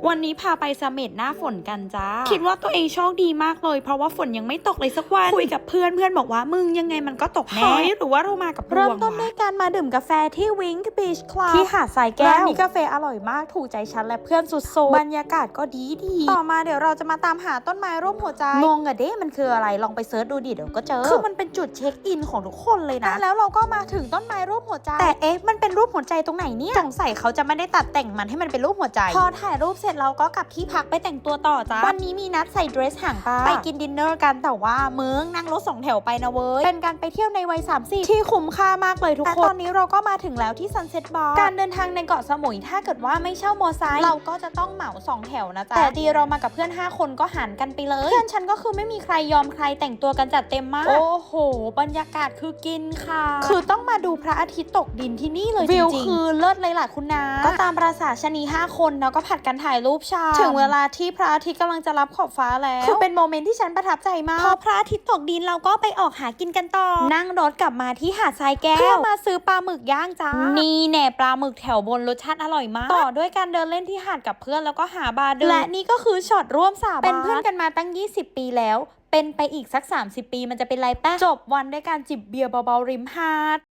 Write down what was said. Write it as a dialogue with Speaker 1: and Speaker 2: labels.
Speaker 1: วันนี้พาไปเสม็ดหน้าฝนกันจ้าคิดว่าตัวเองโชคดีมากเลยเพราะว่าฝนยังไม่ตกเลยสักวันคุยกับเพื่อนบอกว่ามึงยังไงมันก็ตกแน่หรือว่าเรามากับเริ่มต้นด้วยการมาดื่มกาแฟที่วิงค์บีชคลับที่หาดทรายแก้วร้านนี้กาแฟอร่อยมากถูกใจฉันและเพื่อนสุดๆบรรยากาศก็ดีต่อมาเดี๋ยวเราจะมาตามหาต้นไม้ร่มหัวใจงงอะเด้มันคืออะไรลองไปเซิร์ชดูดิเดี๋ยวก็เจอคือมันเป็นจุดเช็คอินของทุกคนเลยนะแล้วเราก็มาถึงต้นไม้ร่มหัวใจแต่มันเป็นรูปหัวใจตรงไหนเนี่ยสงสัยเขาจะไม่ได้ตัดแต่งมันให้มันเป็นรูปหัวใจพอถ่ายรูปเสร็จเราก็กลับที่พักไปแต่งตัวต่อจ้าวันนี้มีนัดใส่เดรสหางปลาไปกินดินเนอร์กันแต่ว่ามึงนั่งรถ2 แถวไปนะเว้ยเป็นการไปเที่ยวในวัย30ที่คุ้มค่ามากเลยทุกคนแต่ตอนนี้เราก็มาถึงแล้วที่ซันเซ็ตบาร์การเดินทางในเกาะสมุยถ้าเกิดว่าไม่เช่ามอไซค์เราก็จะต้องเหมา2 แถวนะจ๊ะแต่ดีเรามากับเพื่อน5 คนก็หารกันไปเลยเพื่อนฉันก็คือไม่มีใครยอมใครแต่งตัวกันจัดเต็มมากโอ้โหบรรยากาศคือกินค่ะคือต้องมาดูพระอาทิตย์ตกดินที่นี่เลยจริงๆวิวคือเลิศเลยล่ะคุณนาก็ตามประสาชนี5 คนแล้วก็ผัดกันถ่ายรูปชาถึงเวลาที่พระอาทิตย์กำลังจะรับขอบฟ้าแล้วคือเป็นโมเมนต์ที่ฉันประทับใจมากพอพระอาทิตย์ตกดินเราก็ไปออกหากินกันต่อนั่งรถกลับมาที่หาดทรายแก้วเพื่อมาซื้อปลาหมึกย่างจ้านี่แน่ปลาหมึกแถวบนรสชาติอร่อยมากต่อด้วยการเดินเล่นที่หาดกับเพื่อนแล้วก็หาบาร์ดื่มและนี่ก็คือช็อตร่วมสาบานเป็นเพื่อนกันมาตั้ง20 ปีแล้วเป็นไปอีกสัก30 ปีมันจะเป็นไรแป๊ะจบวันด้วยการจิบเบียร์เบาๆริมหาด